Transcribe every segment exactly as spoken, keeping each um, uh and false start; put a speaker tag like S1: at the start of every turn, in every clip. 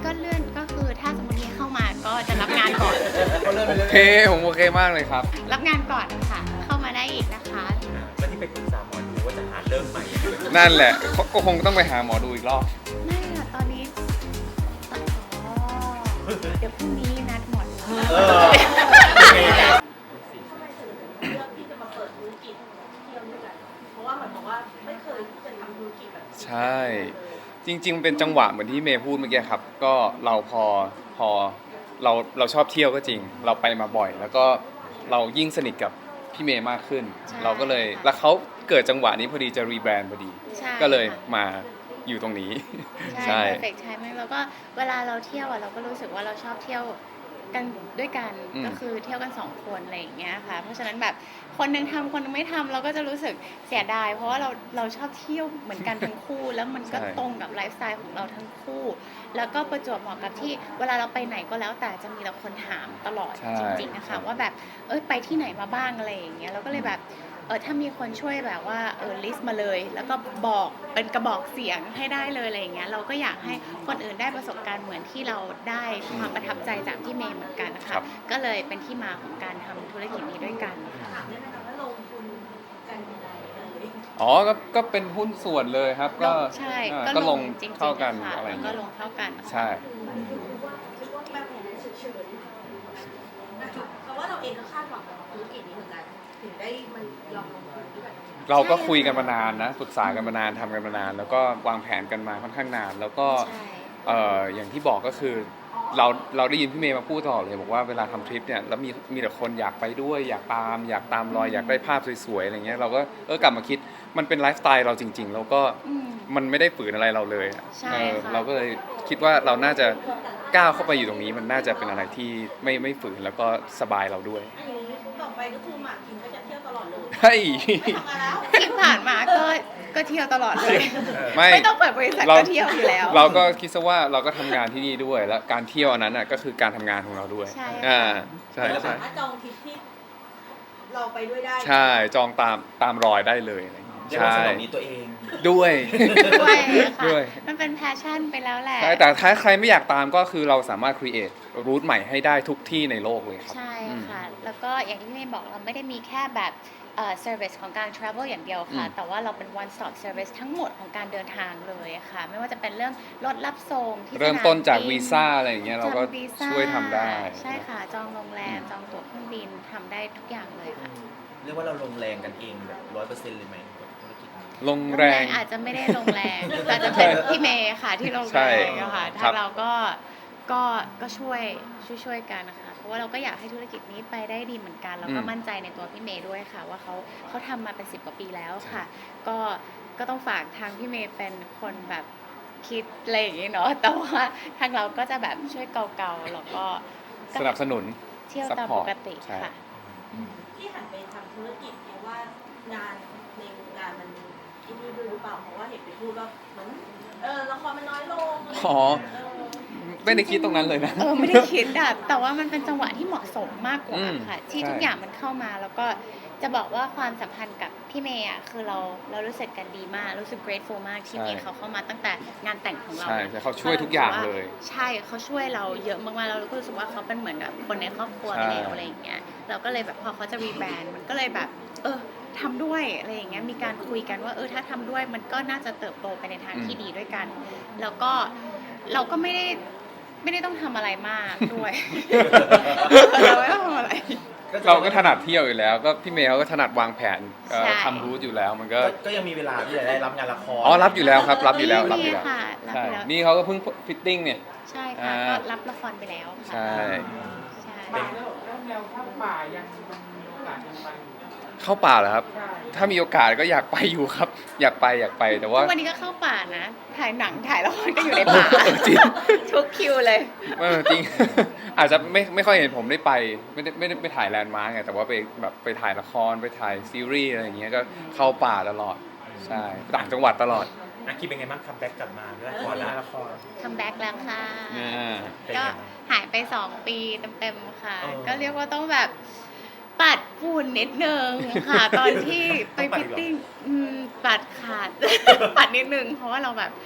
S1: ก็เลื่อนก็คือถ้าสมมติมีเข้ามาก็จะรับงานก่อน
S2: โอเคผมโอเคมากเลยครับ
S1: รับงานก่อนค่ะ เข้ามาได้อีกนะคะ
S3: แล้วที่ไปปรึกษาหมอดูว่าจะหาเริ่มใหม่
S2: นั่นแหละเขาก็คงต้องไปหาหมอดูอีกรอบ
S1: ไม่ค่ะตอนนี้อ๋อเดี๋ยวพรุ่งนี้นัดหมอดู
S3: เออโอเค
S4: เลือกที่จะมาเปิดธุรกิจเที่ยวด้วยกันเพราะว่าเหมือนบอกว่าไม่เคยที่จะทำธุรกิจแบบ
S2: ใช่ จริงๆ เป็นจังหวะเหมือนที่เมย์พูดเมื่อกี้ครับ ก็เราพอพอเราเราชอบเที่ยวก็จริง เราไปมาบ่อย แล้วก็เรายิ่งสนิทกับพี่เมย์มากขึ้น เราก็เลยแล้วเขาเกิดจังหวะนี้พอดีจะรีแบรนด์พอดี
S1: ใช่
S2: ก็เลย
S1: ค่ะ
S2: มาอยู่ตรงนี้
S1: ใช่ perfect timing แล้วก็เวลาเราเที่ยวอ่ะเราก็รู้สึกว่าเราชอบเที่ยวกันด้วยกัน
S2: อืม
S1: ก็คือเที่ยวกันสองคนอะไรอย่างเงี้ยค่ะ เพราะฉะนั้นแบบคนหนึงทำคนหนึงไม่ทำเราก็จะรู้สึกเสียดาย เพราะว่าเราเราชอบเที่ยวเหมือนกันทั้งคู่ แล้วมันก็
S2: ใช่
S1: ตรงกับไลฟ์สไตล์ของเราทั้งคู่ แล้วก็ประจวบเหมาะกับที่เวลาเราไปไหนก็แล้วแต่จะมีแต่คนถามตลอด
S2: ใช่
S1: จริงๆนะคะว่าแบบเอ้ยไปที่ไหนมาบ้างอะไรอย่างเงี้ยเราก็เลยแบบเออถ้ามีคนช่วยแบบว่าเออลิสต์มาเลย แล้วก็บอกเป็นกระบอกเสียงให้ได้เลยอะไรอย่างเงี้ยเราก็อยากให้คนอื่นได้ประสบการณ์เหมือนที่เราได้ความประทับใจจากพี่เมย์เหมือนกันนะ
S2: ครั
S1: คะ
S2: บ
S1: ก็เลยเป็นที่มาของการทำธุรกิจนี้ด้วยกันค่ะ
S4: ถามได้ไหมคะว่าลงทุนกันยังไงเอ่ย
S2: อ๋อก็ก็เป็นหุ้นส่วนเลยครับ ก็
S1: ใช่
S2: อ่า
S1: ก็
S2: ก็
S1: ล
S2: ล
S1: ง
S2: ง
S1: จริงๆ
S2: เท่ากัน
S1: ค่ะ
S2: อะไรอ
S1: แล้ว
S2: ย่าง
S1: ก็
S2: เงี้ย
S1: ลงเท่ากัน
S2: ใช่
S4: คิดว่าคิดว่าแบบนี้เฉยๆนะคะเพราะว่าเราเองก็คาดหวังกับธุรกิจนี้เหมือนกันถึงได้มันยอมลงทุนด้วยกัน
S2: เราก็คุยกันมานานนะปรึกษากันมานานทำกันมานาน แล้วก็วางแผนกันมาค่อนข้างนาน แล้วก็
S1: ใช่
S2: เอ่ออย่างที่บอกก็คือเราเราได้ยินพี่เมย์มาพูดตลอดเลยบอกว่าเวลาทำทริปเนี่ยแล้วมีมีแต่คนอยากไปด้วยอยากตาม อยากตามรอยอยากได้ภาพสวยๆอะไรเงี้ยเราก็เออกลับมาคิดมันเป็นไลฟ์สไตล์เราจริง ๆ แล้วก็
S1: อืม
S2: มันไม่ได้ฝืนอะไรเราเลยอะ
S1: ใช่
S2: เออ
S1: ค่ะ
S2: เราก็เลยคิดว่าเราน่าจะก้าวเข้าไปอยู่ตรงนี้มันน่าจะเป็นอะไรที่ไม่ไม่ฝืนแล้วก็สบายเราด้วย
S4: อันนี้ต่อไปก็คือหมากคิมก็จะเที่ยวตลอดเลย
S2: เฮ้ย
S4: ไม่ทำงานแล้ว
S1: ที่ผ่านมาก็ก็เที่ยวตลอดเลย
S2: ไม่
S1: ไม่ต้องเปิดบริษัท
S2: เรา
S1: ก็เที่ยวอยู่แล้ว
S2: เราก็คิดซะว่าเราก็ทำงานที่นี่ด้วย แล้วการเที่ยวอันนั้นน่ะก็คือการทำงานของเราด้วย
S1: ใช่ค่ะ
S2: อ่าใช่
S4: เรา
S2: ใช่
S4: สามารถจองทริปที่เราไปด้วยได้
S2: ใช่จองตามตามรอยได้เลยอะไรอย่างเงี้ย
S3: เรียกว่า
S2: ใช่
S3: สนองนี้ตัวเอง
S2: ด้วย
S1: ด้วยค่ะ
S2: ด้วย
S1: มันเป็นแพชชั่นไปแล้วแหละ
S2: ใช่แต่ถ้าใครไม่อยากตามก็คือเราสามารถ create รูทใหม่ให้ได้ทุกที่ในโลกเลยครับ
S1: ใช่
S2: อืม
S1: ค่ะ แล้วก็อย่างที่เมย์บอกเราไม่ได้มีแค่แบบเอ่อ service ของการ travel อย่างเดียวค่ะ
S2: อืม
S1: แต่ว่าเราเป็น one stop service ทั้งหมดของการเดินทางเลยค่ะ ไม่ว่าจะเป็นเรื่องรถรับส่งที่
S2: เริ่มต้นจาก
S1: สมบิ
S2: วีซ่าอะไรอย่างเงี้ยเราก็
S1: จองวีซ่า
S2: ช่วยทำได้
S1: ใช่ค่ะ จองโรงแรม จองตั๋วเครื่องบินทำได้ทุกอย่างเลยค่ะ
S3: เรียกว่าเราลงแรงกันเองแบบร้อยเปอร์เซ็นต์เลยไหมกับธุรกิจนี้
S2: ลงแรง
S1: อาจจะไม่ได้ลงแรง แต่จะเป็นพี่เมย์ค่ะที่ลง
S2: ใช่
S1: แรงอะค่ะ
S2: ครั
S1: ถ้า
S2: บ
S1: เราก็ก็ก็ช่วยช่วยช่วยกันนะคะ เพราะว่าเราก็อยากให้ธุรกิจนี้ไปได้ดีเหมือนกัน แล้วก็มั่นใจในตัวพี่เมย์ด้วยค่ะ ว่าเขาเขาทำมาเป็นสิบกว่าปีแล้วค่ะ ก็ก็ต้องฝากทางพี่เมย์เป็นคนแบบคิดอะไรอย่างนี้เนาะ แต่ว่าทางเราก็จะแบบช่วยเกาๆแล้วก็
S2: สนับสนุน
S1: เที่ยวตาม
S2: support
S1: ปกติ
S2: ใช่
S1: ค่ะ
S4: ที่หันไปทำธุรกิจเพราะว่างานในวงการมันที่นี่ด้วยหรือเปล่าเพราะว่าเห็นไปพูดว่าเหมือนเออละครมันน้อยลงอะไรอย่าง
S2: อ๋อ
S4: เงี้ยเออ
S2: ไม่ได้คิดตรงนั้นเลยนะ
S1: เออไม่ได้คิดอะแต่ว่ามันเป็นจังหวะที่เหมาะสมมากกว่า
S2: อืม
S1: ค่ะ ที่
S2: ใช่
S1: ทุกอย่างมันเข้ามาแล้วก็จะบอกว่าความสัมพันธ์กับพี่เมย์อะคือเราเรารู้สึกกันดีมาก รู้สึก grateful มากที่มีเขาเข้ามาตั้งแต่งานแต่งของเรา
S2: ใช่
S1: นะ
S2: ใช่เขาช่วยทุกอย่างเลย
S1: ใช่เขาช่วยเราเยอะมากๆแล้วเราก็รู้สึกว่าเขาเป็นเหมือนแบบคนในครอบครัว
S2: ใช่
S1: ไปแล้วอะไรอย่างเงี้ยเราก็เลยแบบพอเขาจะรีแบรนด์มันก็เลยแบบ เออทำด้วยอะไรอย่างเงี้ยมีการคุยกันว่าเออถ้าทำด้วยมันก็น่าจะเติบโตไปในทางที่ดีด้วยกัน แล้วก็เราก็ไม่ได้ไม่ได้ต้องทำอะไรมากด้วย เราไม่ต้องทำอะไร
S2: เราก็ถนัดเที่ยวอยู่แล้ว ก็พี่เมย์เขาก็ถนัดวางแผนเอ่อ
S1: ใช่
S2: ทำรูทอยู่แล้วมันก็
S3: ก็ก็ยังมีเวลาที่จะได้รับงานละคร
S2: อ๋อรับอยู่แล้วครับ รับอยู่แล้วรับอ
S1: มี
S2: ยู่แล้ว
S1: ค่ะรับ
S2: ใช่
S1: อยู่แล้ว
S2: นี่เขาก็เพิ่งฟิตติ้งเนี่ย
S1: ใช่ค่ะ
S2: อ่า
S1: ก็รับละครไปแล้วค่ะ
S2: ใช่
S1: ใช่
S5: ป่าแล้วแล้วแนวภาคป่ายังมันมีโอกาสยังไปอยู่
S2: เข้าป่าเหรอครับ
S5: ใช่
S2: ถ้ามีโอกาสก็อยากไปอยู่ครับ อยากไปอยากไปแต่ว่า
S1: ทุกวันนี้ก็เข้าป่านะ ถ่ายหนังถ่ายละครก็อยู่ในป่า
S2: จริง
S1: ทุกคิวเลย
S2: เออจริง อาจจะไม่ไม่ค่อยเห็นผมได้ไปไม่ได้ไม่ได้ไปถ่ายแลนด์มาร์กไงแต่ว่าไปแบบไปถ่ายละครไปถ่ายซีรีส์อะไรอย่างเงี้ยก็เข้าป่าตลอดใช่ต่างจังหวัดตลอด
S3: อาคิดเป็นไงบ้างคัมแบ็กกลับมาละครนะละคร
S1: คัมแบ็กแล้วค่ะ
S2: อ่า
S3: เป็น
S1: ก็
S3: ไงบ้าง
S1: หายไปสองปีเต็มๆค่ะ
S3: เออ
S1: ก็เรียกว่าต้องแบบปัดฝุ่นนิดนึงค่ะ ตอนที่ไป
S3: ต้องปัด
S1: ฟิต
S3: อีกเหรอ
S1: ติ้งอืมปัดขาด ปัดนิดนึง เพราะว่าเราแบบ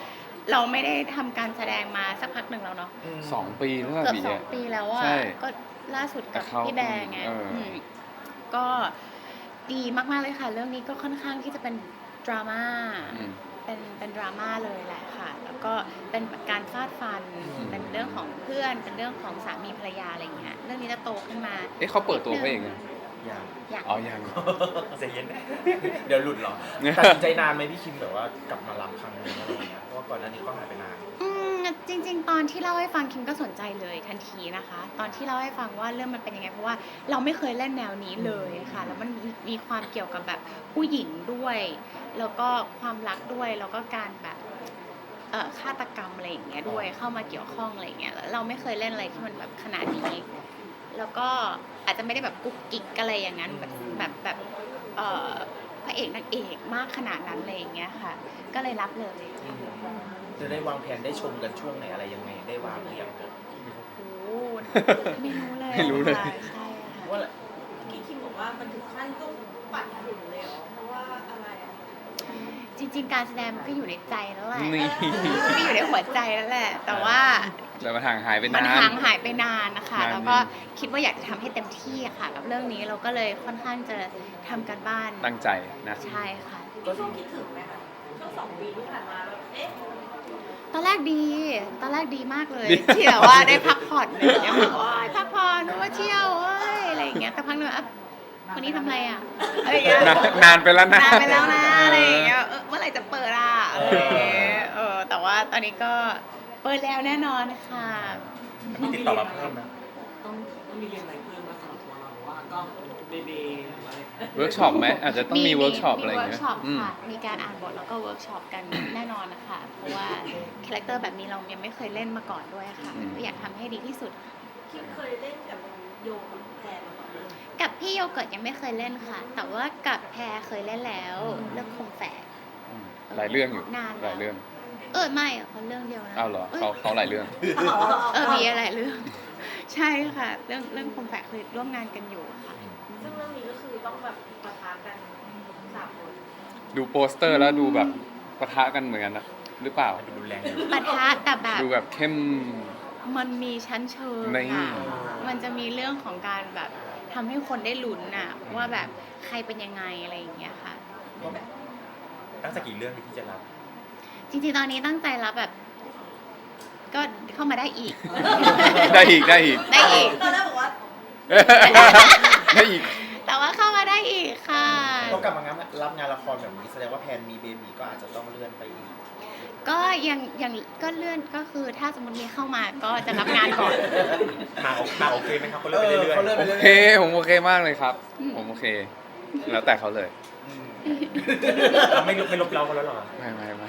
S1: เราไม่ได้ทำการแสดงมาสักพักหนึ่งแล้วเนาะ
S2: สองปีแล้ว
S1: เกือบ
S2: บี
S1: สองปีแล้วอ่ะ
S2: ใช่
S1: ก็ล่าสุดกับ
S2: กับเขา
S1: พี่แบงไง
S2: เอออื
S1: มก็ดีมากๆเลยค่ะ เรื่องนี้ก็ค่อนข้างที่จะเป็นดราม่า
S2: อืม
S1: เป็นเป็นดราม่าเลยแหละค่ะ แล้วก็เป็นการฟาดฟัน เป็นเรื่องของเพื่อน เป็นเรื่องของสามีภรรยาอะไรเงี้ย เรื่องนี้จะโตขึ้นมา
S2: เอ๊ะเขาเปิดตัวเขาเองไง
S3: อย่าง
S1: อยาก
S2: อ๋อยัง
S3: ใจเย็นนะ เดี๋ยวหลุดเหรอตัดสินใจนานไหมพี่คิมแบบว่ากลับมารับครั้งนี้อะไรอย่างเงี้ยเพราะว่าก่อนหน้านี้ก็หายไปนาน
S1: อืมจริง ๆ ตอนที่เล่าให้ฟังคิมก็สนใจเลยทันทีนะคะ ตอนที่เล่าให้ฟังว่าเรื่องมันเป็นยังไงเพราะว่าเราไม่เคยเล่นแนวนี้เลยค่ะ แล้วมันมีมีความเกี่ยวกับแบบผู้หญิงด้วย แล้วก็ความรักด้วยแล้วก็การแบบเอ่อฆาตกรรมอะไรอย่างเงี้ยด้วยเข้ามาเกี่ยวข้องอะไรอย่างเงี้ยแล้วเราไม่เคยเล่นอะไรที่มันแบบขนาดนี้ แล้วก็อาจจะไม่ได้แบบกุ๊กกิ๊กอะไรอย่างนั้นแบบแบบแบบเอ่อพระเอกนางเอกมากขนาดนั้นอะไรอย่างเงี้ยค่ะ ก็เลยรับเลย
S3: จะได้วางแผนได้ชมกันช่วงไหนอะไรยังไงได้วางหรือยัง
S1: โอ้โหไม่รู้เลย
S2: ไม่รู้เลย
S1: ค่ะใช่ค่ะ
S3: ว่า
S4: พี่คิมบอกว่ามันถึงขั้นต้องปัดฝุ่นเลยเหรอเพราะว่าอะไรอะ
S1: จริง ๆ การแสดงมันก็อยู่ในใจแล้วแหละ
S2: นี่
S1: มันก็อยู่ในหัวใจแล้วแหละ แต่ว่า
S2: แล้วมันห่างหายไป
S1: มัน
S2: นาน
S1: ห่างหายไปนานนะคะ
S2: นาน
S1: แล้วก็คิดว่าอยากจะทำให้เต็มที่อะค่ะ กับเรื่องนี้เราก็เลยค่อนข้างจะทำกันบ้าน
S2: ตั้งใจนะ
S1: ใช่ค่ะ
S4: มีช่วงคิดถึงไหมคะช่วงสองปีที่ผ่านมาแบบเอ๊ะ
S1: ตอนแรกดี ตอนแรกดีมากเลย
S2: ดี
S1: ที่แบบว่าได้พักผ่อนอะไรอย่างเงี้ยแบบโอ๊ยพักผ่อนว่าเที่ยวเอ้ยอะไรอย่างเงี้ยแต่พักหนึ่งอ่ะวันนี้ทำอะไรอ่ะอะไรอย่างเงี้ย
S2: นานนานไปแล้วนะ
S1: นานไปแล้วนะอะไรอย่างเงี้ยเออเมื่อไหร่จะเปิดอ่ะอะไรอย่างเงี้ยเออแต่ว่าตอนนี้ก็เปิดแล้วแน่นอนค่ะ
S3: มีติดต่อมาเพิ่มไหม
S5: ต้องต้องมีเรียนอะไรเพิ่มมาสำหรับตัวเราหรือว่าก็เบเบหรืออะไร
S2: เวิร์กช็อปไหมอาจจะต้องมีเวิร์กช็อปอะไรอย่าง
S1: มี
S2: เงี้
S1: เวิร์
S2: ย
S1: กช็อป
S2: อืม
S1: ค่ะ มีการอ่านบทแล้วก็เวิร์กช็อปกัน แน่นอนนะคะ เพราะว่าคาแรคเตอร์แบบนี้เรายังไม่เคยเล่นมาก่อนด้วยค่ะ
S2: อืม
S1: ก็อยากทำให้ดีที่สุด
S4: คิมเคยเล่นกับโยกับแพรมาก่อนเลย
S1: กับพี่โยเกิร์ตยังไม่เคยเล่นค่ะ แต่ว่ากับแพรเคยเล่นแล้วเรื่องคมแฝก
S2: อืมหลายเรื่องอยู่
S1: นานแล้ว
S2: หลายเรื่อง
S1: เออไม่อะเขาเรื่องเดียวนะ
S2: อ้าวเหรอเขาเขาหลายเรื่อง
S1: เออมีอะไรเรื่อง ใช่ค่ะ เรื่องเรื่องคมแฝกเคยร่วมงานกันอยู่ค่ะ
S4: ซึ่งเรื่องนี้ก็คือต้องแบบปะทะกันสามคน
S2: ดูโปสเตอร์แล้วดูแบบปะทะกันเหมือนกันนะหรือเปล่า
S3: ดูรุนแรงอยู่
S1: ปะทะแต่แบบ
S2: ดูแบบเข้ม
S1: มันมีชั้นเชิง
S2: นี่
S1: อะมันจะมีเรื่องของการแบบทำให้คนได้ลุ้นอะว่าแบบใครเป็นยังไงอะไรอย่างเงี้ยค่ะ
S3: ตั้งแต่กี่เรื่องที่จะรับ
S1: จริงๆ ตอนนี้ตั้งใจรับแบบ ก็เข้ามาได้อีก
S2: ได้อีกได้อีก
S1: ได้อีก
S4: ตอนแรกบอกว่า
S2: ได้อีก
S1: แต่ว่าเข้ามาได้อีกค่ะ
S3: ต้องกลับมางานรับงานละครแบบนี้แสดงว่าแพนมีเบบีก็อาจจะต้องเลื่อนไปอีก
S1: ก็ยังยังก็เลื่อนก็คือถ้าสมมติมีเข้ามาก็จะรับงานก่อน
S3: มาโอมาโอเคไหมครับเขาเลื่อนไปเรื่อยๆเขาเลื่อนไป
S2: โอ
S3: เรื่อย
S2: เค ผมโอเคมากเลยครับ ผมโอเค แล้วแต่เขาเลย
S3: เราไม่ลบไม่ลบเราเขาแล้วหรอ
S2: ไม่ไม่ไม่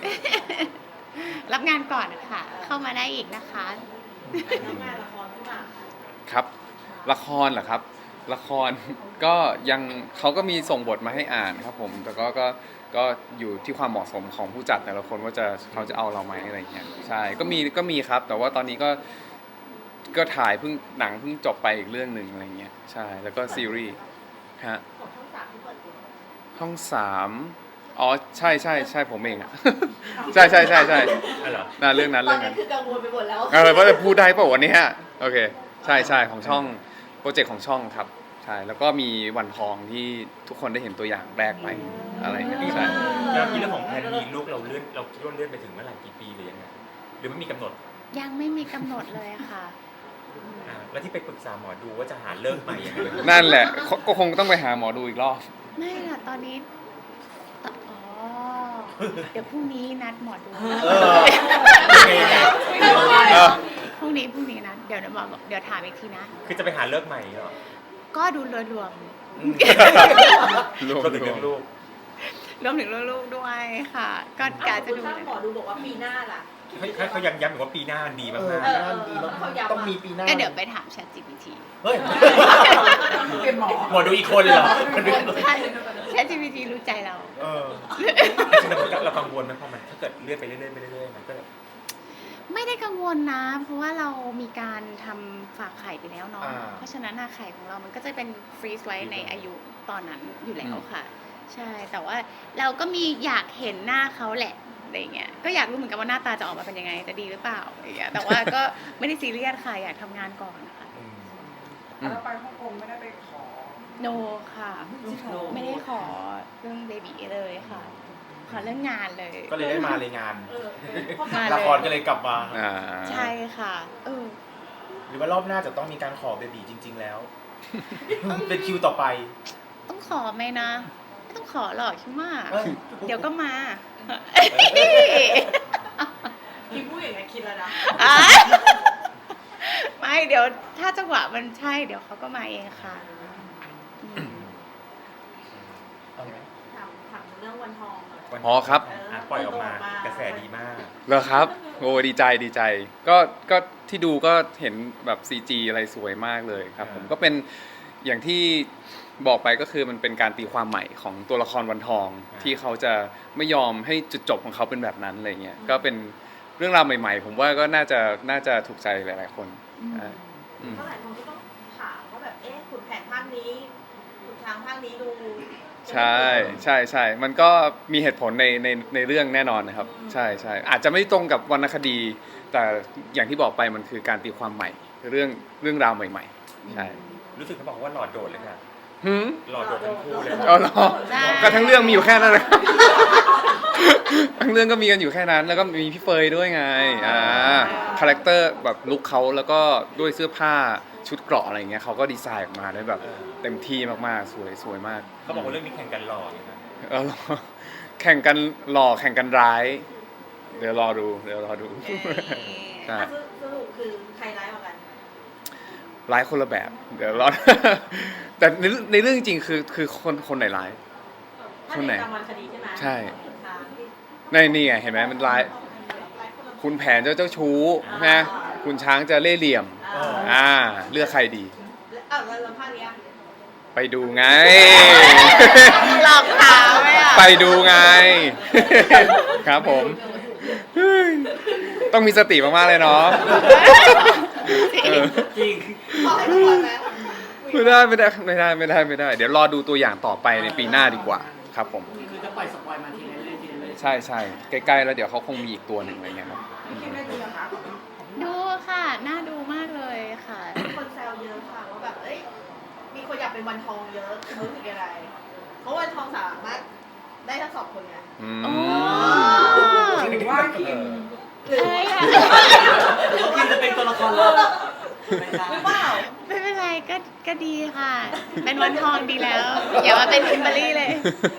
S1: รับงานก่อนค่ะ เข้ามาได้อีกนะคะ
S4: ทำงานละครขึ้นมา
S2: ครับ ละครเหรอครับ ละคร ก็ยังเขาก็มีส่งบทมาให้อ่านครับผม แต่ก็ก็ก็อยู่ที่ความเหมาะสมของผู้จัดแต่ละคนว่าจะเขาจะเอาเราไหมอะไรอย่างเงี้ย ใช่ ก็มีก็มีครับ แต่ว่าตอนนี้ก็ก็ถ่ายเพิ่งหนังเพิ่งจบไปอีกเรื่องหนึ่งอะไรเงี้ย ใช่ แล้วก็ซีรีส์ ฮะ
S4: ของช่องสามที่เปิดตัว
S2: ห้องสามอ๋อ ใช่ใช่ใช่ผมเองอะ ใช่ใช่ใช่ใช่
S3: อ๋อเหรอ
S2: น่าเรื่องนั้น
S4: ตอ
S2: เรื่
S4: น
S2: อง
S4: นี้
S2: นั้น
S4: คือกังวลไปหมดแล้ว
S2: เออว่าจะพูดได้เปล่าวันนี้ฮะโอเค ใช่ใช่ของช่องโปรเจกต์ของช่องครับ ใช่ แล้วก็มีวันทองที่ทุกคนได้เห็นตัวอย่างแรกไปอะไรเงี้ยใช่
S3: แล้วที่เรื่องของแพนมีลูกเราเลื่อนเราคิดว่าเลื่อนไปถึงเมื่อไหร่กี่ปีหรือยังไงหรือไม่มีกำหนด
S1: ยังไม่มีกำหนดเลยค่ะ
S3: อ่าแล้วที่ไปปรึกษาหมอดูว่าจะหาเลิกใหม่ยังไง
S2: นั่นแหละก็ก็คงต้องไปหาหมอดูอีกรอบ
S1: ไม่ล่ะตอนนี้ตอ๋อ เดี๋ยวพรุ่งนี้นัดหมอดู
S3: เออยังไงยังไง
S2: เออ
S1: พรุ่งนี้พรุ่งนี้นะเดี๋ยวเดี๋ยวหมอบอกเดี๋ยวถามอีกทีนะ
S3: คือจะไปหาเลิกใหม่เหรอ
S1: ก็ดูรวมรวม
S2: รวม
S3: ก็ถึงเรื่องลูก
S1: รวมถึงลูกๆด้วยค่ะ ก็กาจะดู
S4: ถ้าหมอดูบอกว่าปีหน้าล่ะ
S3: ให้ให้เขายังย้ำอีกว่าปีหน้าดีมาก
S4: เอ
S3: ๆ
S4: อเออเขาย้ำ
S3: ต้องมีปีหน้า
S1: ก็เดี๋ยวไปถาม Chat จี พี ที
S3: เฮ้ย
S4: เป็นหมอ
S3: หมอดูอีกคนเหรอหมอดูอีกคน
S1: ใช่ Chat จี พี ที รู้ใจเรา
S3: เออจริงๆเราเรากังวลไหมเพราะมันถ้าเกิดเลื่อนไปเรื่อยๆไปเรื่อยๆมันก็
S1: ไม่ได้กังวลนะ เพราะว่าเรามีการทำฝากไข่ไปแล้วเนาะ
S3: อ่า
S1: เพราะฉะนั้นอะไข่ของเรามันก็จะเป็นฟรีซไว้ในอายุตอนนั้นอยู่แล้วค่ะ ใช่ แต่ว่าเราก็มีอยากเห็นหน้าเขาแหละอะไรเงี้ยก็อยากรู้เหมือนกันว่าหน้าตาจะออกมาเป็นยังไงจะดีหรือเปล่าอะไรเงี้ยแต่ว่าก็ไม่ได้ซีเรียสค่ะอยากทำงานก่อนค่ะ
S3: อืม
S6: แล้วไปฮ่องกงไม่ได้ไปขอ
S1: โนค่ะ ไม่ได้ขอเรื่องเบบีเลยค่ะ ขอเรื่องงานเลย
S3: ก็เลยได้มาเลยงาน
S4: เออเออเพราะ
S1: มา
S3: ละครก็เลยกลับมา
S2: อ่า
S1: ใช่ค่ะเออ
S3: หรือว่ารอบหน้าจะต้องมีการขอเบบีจริง ๆ แล้ว เป็นคิวต่อไป
S1: ต้องขอไหมนะไม่ต้องขอหรอกคิดว่า
S3: เอ้ย
S1: เดี๋ยวก็มา
S4: คิมพูดอย่างนี้คิดแล้วนะ
S1: อ่ะไม่เดี๋ยวถ้าจังหวะมันใช่เดี๋ยวเขาก็มาเองค่ะอืม
S3: เอาไหม
S4: ถามถามเรื่องวันทองหน่อย
S3: วัน
S2: อ๋อครับ
S3: อ่ะปล่อยออกมากระแสดีมาก
S2: เหรอครับโอ้ดีใจดีใจ ก็ก็ที่ดูก็เห็นแบบ ซี จี อะไรสวยมากเลยครับ ผมก็เป็นอย่างที่บอกไปก็คือมันเป็นการตีความใหม่ของตัวละครวันทอง
S3: อ่า
S2: ที่เขาจะไม่ยอมให้จุดจบของเขาเป็นแบบนั้นอะไรเงี้ยก็เป็นเรื่องราวใหม่ๆ ผมว่าก็น่าจะน่าจะถูกใจหลายๆคนอ่าอืม
S4: เท่าไหร่คนก็ต้องถามว่าแบบเอ๊ะขุนแผนภาคนี้ขุนช้างภาคนี้ดู
S2: ใช่ใช่ใช่มันก็มีเหตุผลในในในเรื่องแน่นอนนะครับ ใช่ใช่อาจจะไม่ตรงกับวรรณคดี แต่อย่างที่บอกไปมันคือการตีความใหม่เรื่องเรื่องราวใหม่ๆใช่
S3: รู้สึกเขาบอกว่าหลอดโดดเลยค่ะ
S2: หืม
S3: หลอดโดดทั้งคู่เลย
S2: อ๋อเหรอ
S1: ใช่
S2: ก็ทั้งเรื่องมีอยู่แค่นั้นนะ ทั้งเรื่องก็มีกันอยู่แค่นั้น แล้วก็มีพี่เฟยด้วยไงอ่าคาแรคเตอร์แบบลุคเขาแล้วก็ด้วยเสื้อผ้าชุดเกราะอะไรเงี้ยเขาก็ดีไซน์ออกมาได้แบบเต็มที่มากๆสวยสวยมาก
S3: เขาบอกว่าเรื่องนี้แข่งกันหล่อเลยนะ
S2: เออแข่งกันหล่อแข่งกันร้าย เดี๋ยวรอดูเดี๋ยวรอดูใช่
S4: อ่ะสรุปคือใครร้ายกว่ากัน
S2: ร้ายคนละแบบ เดี๋ยวรอ แต่ในในเรื่องจริงๆคือคือคนคนไหนร้าย
S4: ถ้า
S2: คนไหน
S4: ในตามวันคดีใช่ไหม
S2: ใช่
S4: ขุนช้างที่
S2: ในนี่ไงเห็นไหมมันร้าย คุณแผนเจ้าเจ้าชู้นะคุณช้างจะเล่ห์เหลี่ยม
S4: อ่า
S2: อ่าเลือกใครดี
S4: แล้วอ้าวแล้วแล้วภาคเนี้ย
S2: ไปดูไง
S1: หลอกถามไหมอ่ะ
S2: ไปดูไง ครับผม ต้องมีสติมากๆเลยเนาะเออ
S5: จริง
S4: ขอให้ทุกคนนะ
S2: ไม่ได้ไม่ได้ไม่ได้ไม่ได้ไม่ได้ เดี๋ยวรอดูตัวอย่างต่อไปในปีหน้าดีกว่าครับผม
S5: คือจะปล่อยสปอยมาทีละเรื่อยๆทีละเรื่อยๆ
S2: ใช่ใช่ใกล้ๆแล้วเดี๋ยวเขาคงมีอีกตัวหนึ่งอะไรเงี้ยครับ
S4: คิดได้ดีเหรอคะ
S1: ดูค่ะน่าดูมากเลยค่ะ
S4: มีคนแซวเยอะค่ะว่าแบบเอ้ยมีคนอยากเป็นวันทองเยอะรู้สึกยังไงเพราะวันทองสามารถได้ทั้งสองคนไง
S2: อืม
S1: อ๋อ
S6: หรือว่าคิม
S4: หรือ
S1: ใช่ค่ะ
S5: หรือว่าคิมจะเป็นตัวละครลับไม่ใช่
S4: หรือเปล่า
S1: ไม่เป็นไรก็ก็ดีค่ะ เป็นวันทองดีแล้ว อย่ามาเป็นคิมเบอรรี่เลย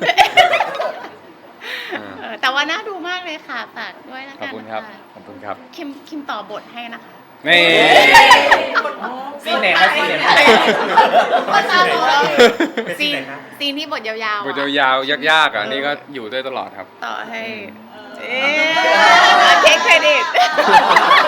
S2: อ่า
S1: เออแต่ว่าน่าดูมากเลยค่ะฝากด้วยนะ
S2: ขอบ
S1: กัน
S2: คุณครับ
S1: ะ
S2: ขอบคุณครับ
S1: คิมคิมต่อบทให้นะคะ
S2: นี่
S3: ซีนไหนคะซีนไหนคะ
S1: คนตาบอด
S3: เป็นซี
S1: ซี
S3: น
S1: น
S3: ไหนคะ
S1: ซีนที่บทยาวๆ
S2: บท
S1: อะ
S2: ยาวๆยากๆอ่ะนี่ก็อยู่ด้วยตลอดครับ
S1: ต่อให้
S2: อืม
S1: เอ๊ะเทคเครดิต